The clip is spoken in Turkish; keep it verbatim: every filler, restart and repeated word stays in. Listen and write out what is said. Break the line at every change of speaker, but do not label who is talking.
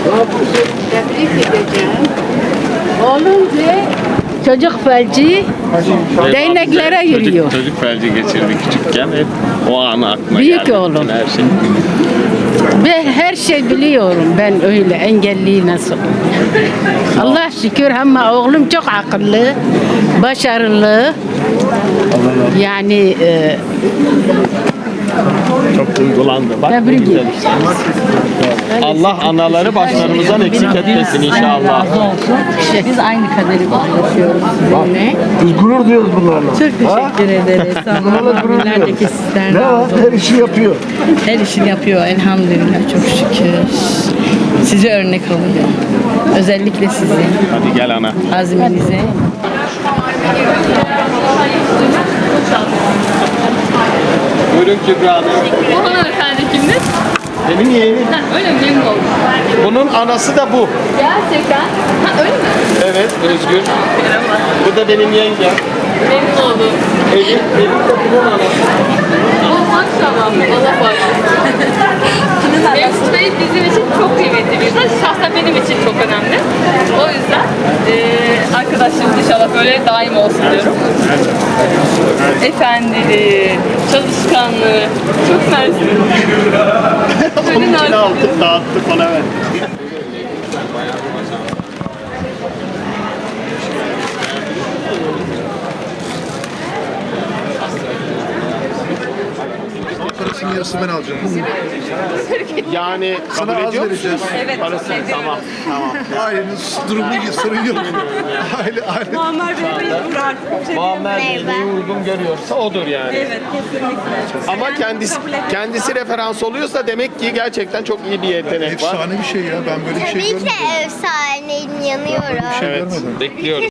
Tebrik edeceğim. Oğlum de çocuk felci değneklere
Çocuk-
yürüyor.
Çocuk felci geçirdi küçükken. Hep o anı aklıma
Büyük
geldi.
oğlum.
Bütün Her şey.
Ve her şey biliyorum ben öyle engelli nasıl. Allah şükür ama oğlum çok akıllı, başarılı. Yani e,
Çok duygulandı. Bak, ne
tebrik
güzel
ederim.
işte. Allah anaları başlarımızdan eksik etmesin inşallah.
Biz aynı kaderi paylaşıyoruz sizinle.
Biz gurur duyuyoruz bunlarla.
Çok teşekkür ederiz. Sağ
Bunlarla gurur
olun. Nerede
duyuyoruz.
ki sizden
Ne var?
razı olsun.
Her işi yapıyor.
Her işini yapıyor elhamdülillah çok şükür. Size örnek alıyor. Özellikle sizin
Hadi gel ana.
azminize.
Buyurun Kübra Hanım.
Bu hanımefendi kimdir?
Benim yeğenim.
Ha, öyle mi? Memnun oldum.
Bunun anası da bu.
Gerçekten. Ha öyle mi?
Evet, Özgür. Bu da benim yengem.
Memnun oldum.
Elif, Elif de bunun anası.
Oh maşallah. Allah bağışlasın. Mesut Bey bizim için çok kıymetli bir insan. Şahsen benim için çok önemli. O yüzden eee arkadaşlarımız inşallah böyle daim olsun diyorum. Efendiliği, çalışkanlığı, çok mersi.
Onun için aldık, dağıttık, bana ver.
Parasının yarısını ben alacağım.
Yani kabul
Sana az
ediyor musun?
vereceğiz.
Evet.
Parası, tamam, tamam.
Ailenin durumu iyi, sorun yok. Aile, aile.
Muammer Bey neyi uygun görüyorsa odur yani.
Evet, kesinlikle.
Ama kendisi kendisi referans oluyorsa demek ki gerçekten çok iyi bir yetenek var.
Efsane bir şey ya. Ben böyle bir şey
Tabii ki
görmedim.
de efsaneyim, yanıyorum.
Bir şey
Evet,
görmedim.
bekliyoruz.